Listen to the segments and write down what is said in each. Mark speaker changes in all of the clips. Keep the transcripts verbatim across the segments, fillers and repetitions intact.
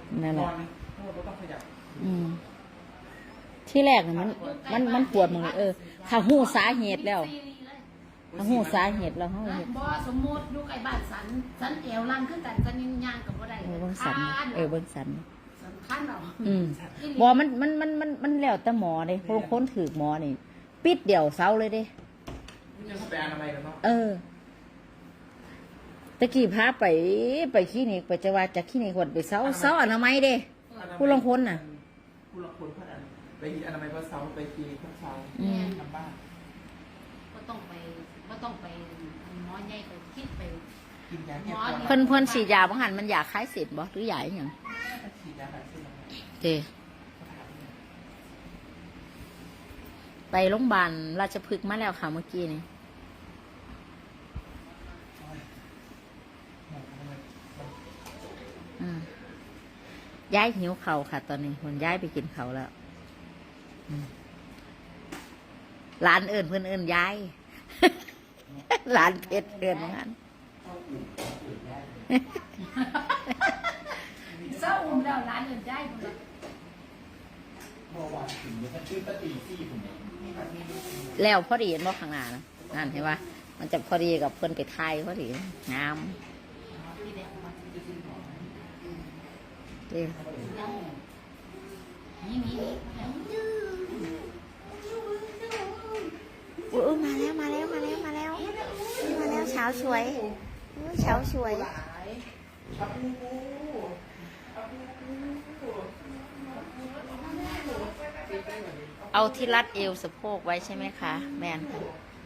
Speaker 1: นั่นแหละ
Speaker 2: ต้องขยับ
Speaker 1: อืมที่แรกเนี่ยมันมันมันปวดมึงเออถ้าหูสาเหตุแล้วถ้าหูสาเหตุแล้วเขาเห็น
Speaker 3: บ่สมมติอยู่ใกล้บ้านสันสันเอวลังขึ้นกันสันยังย่างกับบ่ได้
Speaker 1: เออเบิ้งสันเออเบิ้งสัน
Speaker 3: สำคัญเรา
Speaker 1: อืมบอมันมันมันมันมันแล้วแต่หมอเลยเพราะคนถือหมอนี่ปิดเดี่ยวเสาเลยเด้
Speaker 2: ยังเข้าไปอนามัยกันเนาะ
Speaker 1: เออตะกี้พาไปไปคลินิกไปจะว่าจากคลินิกคนไปเสาเสาอนามัยเด้ผู้ลงคนน่ะ
Speaker 2: ผู้ลงคนพัดอันไปอนามัยพัดเสาไปคลินิกพัดเสา
Speaker 1: อืม
Speaker 2: ทำบ้าน
Speaker 3: ก็ต้องไปก็ต้องไปหมอใหญ่ไปคิดไป
Speaker 2: กินยาแก้ปวด
Speaker 1: เพิ่นเพิ่นฉีดยาบางหันมันอยากคล้ายเสร็จบ่หรือใหญ่อหย่าง
Speaker 2: ฉีดยาแบบเส้น
Speaker 1: เจไปโรงพยาบาลราชพฤกษ์มาแล้วค่ะเมื่อกี้นี่อืมย้ายหิวเขาวค่ะ ตอนนี้คนย้ายไปกินเขาวแล้วอืมหลานเอิญเพื่อนเอิญย้าย หลานเพชรเอิญเหมือนกัน
Speaker 3: เศร้าอุ้มแล้วร้านอื่นได้หมดเลย
Speaker 2: เมื่อวานถึงจะชื่อปฏิซี่ผมเอง
Speaker 1: แล้วพอดีเห็นบ่ข้างหน้านะนั่นเห็นปะมันจะพอดีกับเพื่อนไปไทยพอดีงาม
Speaker 3: ที่เด็กมา
Speaker 1: เด้อ
Speaker 3: นี่นี่นี่
Speaker 1: อุ้ยมาแล้วมาแล้วมาแล้วมาแล้วมาแล้วเช้าสวยเช้าสวย
Speaker 2: ชับมู
Speaker 1: เอาที่รัดเอวสะโพกไว้ใช่ไหมคะแมนค่ะ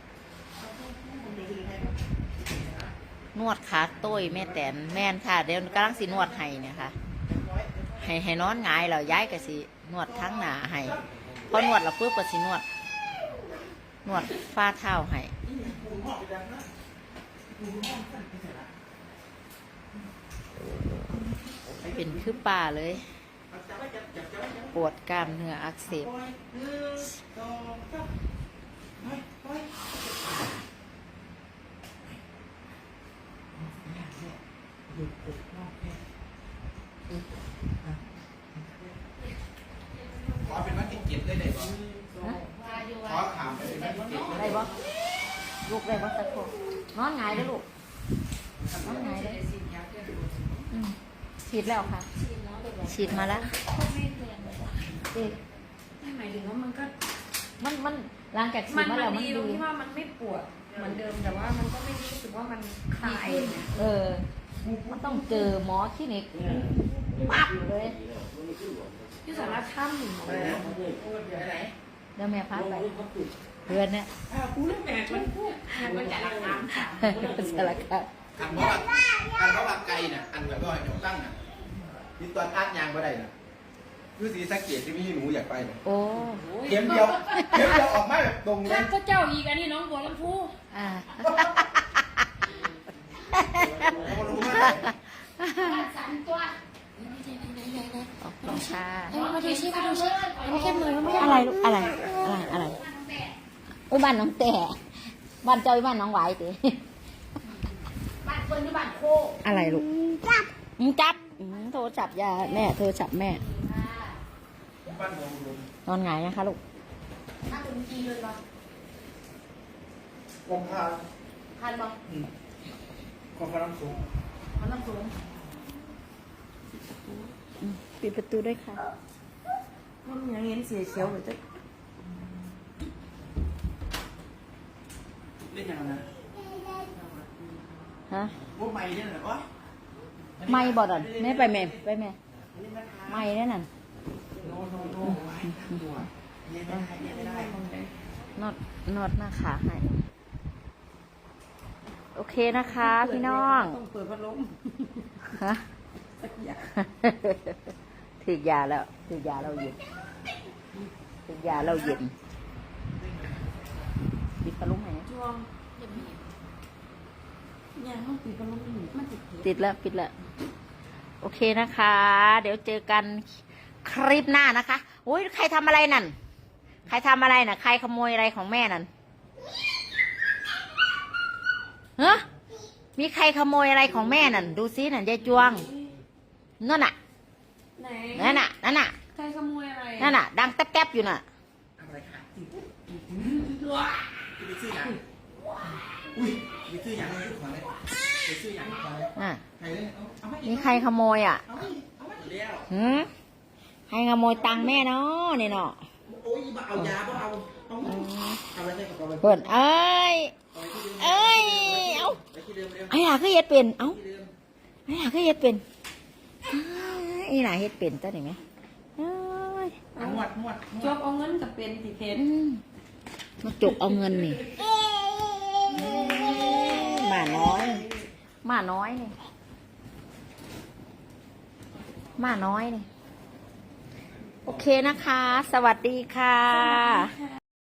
Speaker 1: นวดขาโต้ยแม่แตนแมนค่ะเดี๋ยวกำลังสินวดให้เนี่ยค่ะให้ให้นอนหงายเราย้ายกับสินวดทั้งหนาให้พอนวดเราปุ๊บก็สินวด นวดฝ่าเท้าให้เป็นคือป่าเลย ปวดกล้ามเนื้ออักเสบ
Speaker 2: ขอเป็นวันที่เจ็ดได้เลยบ่ขอถามไปเป็นวันที่เจ็ด
Speaker 1: ได้บ่ลูกได้บ่สักคนนอนหงายแล้วลูกนอนหงายเลยอืมฉีดแล้วค่ะ ฉีดมาแล้ว เอ๊ะ
Speaker 3: หมายถึงว่ามันก็
Speaker 1: มันมันหลังจากฉี
Speaker 3: มั
Speaker 1: ด
Speaker 3: น
Speaker 1: มา
Speaker 3: มั
Speaker 1: แล้ว
Speaker 3: น
Speaker 1: มัน
Speaker 3: ดีตรง
Speaker 1: ดี
Speaker 3: ที่ว่ามันไม่ปวดเหมือนเดิมแต่ว่ามันก็ไม่รู้สึกว่ามันคลายเนี่ย
Speaker 1: เออ มันต้องเจอหมอคลินิกปั๊บเลย
Speaker 3: ที่สาระค่ำหนึ่งเลย
Speaker 1: เดี๋ยวแม่พาไปเพื่อนเนี่ย
Speaker 2: กูเล่นแม่มัน
Speaker 3: มันจะรักน้ำค่ะ
Speaker 1: สารคาม
Speaker 2: อันเพราะว่าอันเพราะว่าไก่น่ะอันแบบว่าเดี๋ยวตั้งน่ะที่ตัวอัดยางบ่ได้น่ะคือสีสักเกตที่มีหนูอยากไปน่ะ
Speaker 1: โอ้
Speaker 2: เข็มเดียวเข็มเดียวออกมาแบบตรงเล
Speaker 3: ท่าย นก็เจ้าอีกอันนี้น้องบัวลำพู
Speaker 1: อ่า
Speaker 2: เขารู้ว่า
Speaker 3: บ้านสันตัว
Speaker 1: ขอบคุณค่ะ
Speaker 3: มาดูชิมาดูชิไม่แค่มือไม่
Speaker 1: อะไรลูกอะไร อะไร อะไรอุยบ้านน้องแต่บ้านเจ้าบ้านน้องไหวติ
Speaker 3: บ้านคนที่บ้านโค
Speaker 1: อะไรลูกจับจับอืมโทรจับยาแม่โทรจับแม่
Speaker 2: บ้านเรารวม
Speaker 1: นอนหงายนะคะลูก
Speaker 3: ถ้าเป็นจีเลยบ่
Speaker 2: กองพา
Speaker 3: ทันบ่
Speaker 2: กองพาน้ำสูง
Speaker 3: มันต้องสูง
Speaker 1: อืมปิดประตูด้วยค่ะ
Speaker 3: มันยังเห็นเสียเขียวเหมือนจะ
Speaker 2: เล่นยังไงนะ
Speaker 1: ฮะ
Speaker 2: ว่าไม่เนี่ยเหรอวะ
Speaker 1: ไม่บอดอ่ะแม่ไปแม่ไปแม่ไม่แน่นั่น
Speaker 2: โน้โน้โน้ไว้ตัวเนี่ยไม่ได้เนี่ยไม่ได้
Speaker 1: นวดนวดหน้าขาให้โอเคนะคะ พี่น้อง
Speaker 3: ต้องเปิดพัดลม
Speaker 1: ฮะถือยาแล้วถือยาเราเย็นถือยาเราเย็นปิดพัดลมไหม
Speaker 3: ช่วงยังต้องปิดพัดลมอยู่มันติด
Speaker 1: ติดแล้วปิดแล้วโอเคนะคะ เดี๋ยวเจอกันคลิปหน้านะคะอุ้ยใครทำอะไรนั่น ใครทำอะไรน่ะ ใครขโมยอะไรของแม่นั่นฮะมีใครขโมยอะไรของแม่นั่น ดูซินั่นยายจวงนั่นน่ะ
Speaker 4: ไหน
Speaker 1: นั่นน่ะนั่นน่ะ
Speaker 4: ใครขโมยอะไร
Speaker 1: นั่นน่ะ ดังแต๊บๆอยู่น่ะ
Speaker 2: อะไรค่ะไปซื้อหยังอุ้ยไปซื้อหยังเลยขอเลยไปซื้อหยังขอเลย
Speaker 1: อ่ะ
Speaker 2: ใครเลยเอาเอามาอีก
Speaker 1: นี่ใครขโมยอ่ะ
Speaker 2: เอามาอีกเอามาอีกแล้ว
Speaker 1: หืมใครขโมยตังค์แม่เนาะนี่เนาะ
Speaker 2: โอ้ยบ่เอายาบ่เอาเอามาเอาไว้ในกระเป๋าไป
Speaker 1: เปิดเอ้ย เอ้ย เอ้า
Speaker 2: ไปที่เดิมเร็ว
Speaker 1: ไอ้หล่ะคือเฮ็ดเป็น เอ้า
Speaker 2: ที่เดิม
Speaker 1: ไอ้หล่ะคือเฮ็ดเป็นอ้ายไอ้หล่ะเฮ็ดเป็นตัวนี้ไหมเอ้ย
Speaker 2: เอานวดนวดน
Speaker 4: จ
Speaker 2: วด
Speaker 4: บเอาเงินกับเป็นสิเพชร
Speaker 1: อืมมาจกเอาเงินนี่หมาน้อยหมาน้อยนี่หมาน้อยนี่ โอเคนะคะ สวัสดีค่ะ